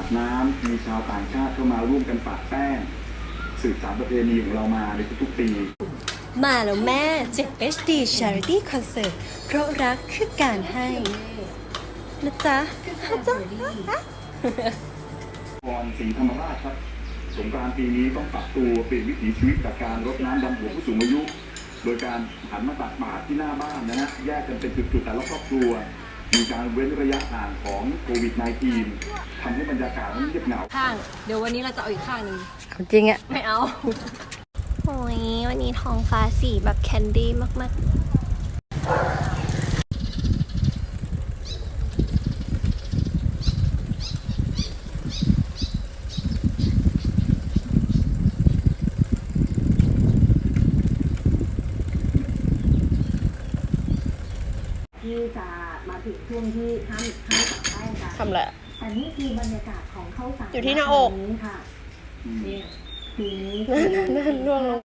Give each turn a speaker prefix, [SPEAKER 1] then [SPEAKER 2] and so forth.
[SPEAKER 1] ดน้ำมีชาวต่างชาติเข้ามาร่วมกันปาดแป้งสืบสานประเพณีของเรามาในทุกๆปี
[SPEAKER 2] มาแล้วแม่7 HD Charity Concert เพราะรักคือการให้นะจ๊ะ
[SPEAKER 1] พรศรีธรรมราชครับสงกรานต์ปีนี้ต้องปรับตัวเปลี่ยนวิถีชีวิตจากการรดน้ำดำหัวผู้สูงอายุโดยการหันมาตักบาตรที่หน้าบ้านนะฮะแยกกันเป็นจุดๆแต่ละครอบครัวมีการเว้นระยะห่างของโควิด -19 ทำให้บรรยากาศมันเงียบเหงา
[SPEAKER 3] ข้างเดี๋ยววันนี้เราจะเอาอีกข้างหนึ่ง
[SPEAKER 2] จริงอะ
[SPEAKER 3] ไม่เอา
[SPEAKER 2] โอ้ยวันนี้ท้องฟ้าสีแบบแคนดี้มาก
[SPEAKER 4] ที่จะมาถึงช่วงที่ห้ามตักแป้งกัน
[SPEAKER 2] ทำแหละ
[SPEAKER 4] แต่นี่คือบรรยากาศของข้าวสาร
[SPEAKER 2] อยู่ที่หน้าอก
[SPEAKER 4] นี้ค่ะเนี่ยปีนี้
[SPEAKER 2] นั่นล่วงลง